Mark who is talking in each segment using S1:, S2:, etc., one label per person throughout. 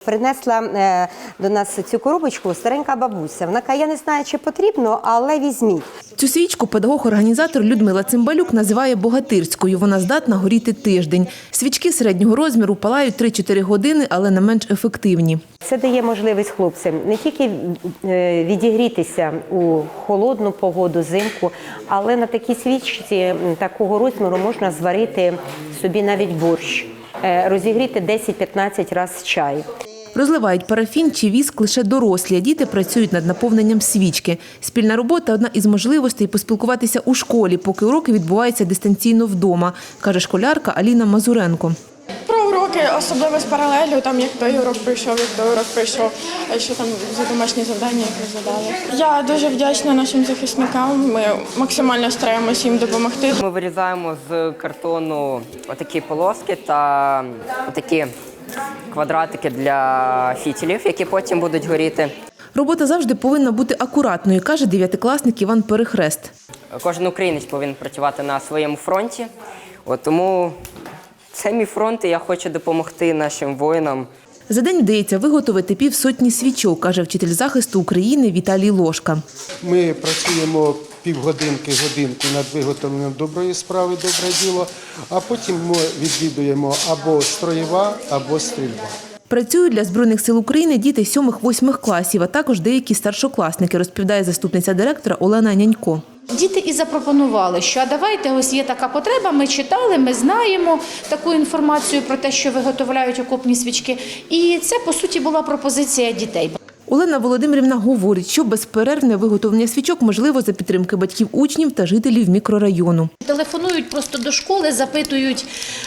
S1: принесла до нас цю коробочку старенька бабуся. Вона каже, я не знаю, чи потрібно, але візьміть.
S2: Цю свічку педагог-організатор Людмила Цимбалюк називає богатирською. Вона здатна горіти тиждень. Свічки середнього розміру палають 3-4 години, але не менш ефективні.
S1: Це дає можливість хлопцям не тільки відігрітися у холодну погоду, зимку, але на такій свічці такого розміру можна зварити собі навіть борщ, розігріти 10-15 разів чай.
S2: Розливають парафін чи віск лише дорослі, а діти працюють над наповненням свічки. Спільна робота – одна із можливостей поспілкуватися у школі, поки уроки відбуваються дистанційно вдома, каже школярка Аліна Мазуренко.
S3: Про уроки, особливо з паралелю, там як той урок прийшов, як той урок прийшов, а що там за домашні завдання, які задали. Я дуже вдячна нашим захисникам, ми максимально стараємося їм допомогти.
S4: Ми вирізаємо з картону отакі полоски та такі квадратики для фітілів, які потім будуть горіти.
S2: Робота завжди повинна бути акуратною, каже 9-класник Іван Перехрест.
S4: Кожен українець повинен працювати на своєму фронті, тому це мій фронт і я хочу допомогти нашим воїнам.
S2: За день вдається виготовити півсотні свічок, каже вчитель захисту України Віталій Лошка.
S5: Ми працюємо півгодинки-годинку над виготовленням доброї справи, добре діло, а потім ми відвідуємо або строєва, або стрільба.
S2: Працюють для Збройних сил України діти 7-8 класів, а також деякі старшокласники, розповідає заступниця директора Олена Нянько.
S6: Діти і запропонували, що давайте, ось є така потреба, ми читали, ми знаємо таку інформацію про те, що виготовляють окопні свічки. І це, по суті, була пропозиція дітей.
S2: Олена Володимирівна говорить, що безперервне виготовлення свічок можливо за підтримки батьків учнів та жителів мікрорайону.
S6: Телефонують просто до школи, запитують,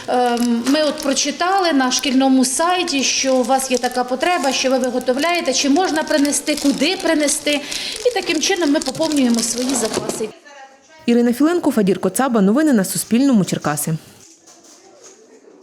S6: ми от прочитали на шкільному сайті, що у вас є така потреба, що ви виготовляєте, чи можна принести, куди принести. І таким чином ми поповнюємо свої запаси.
S2: Ірина Філенко, Фадір Коцаба. Новини на Суспільному. Черкаси.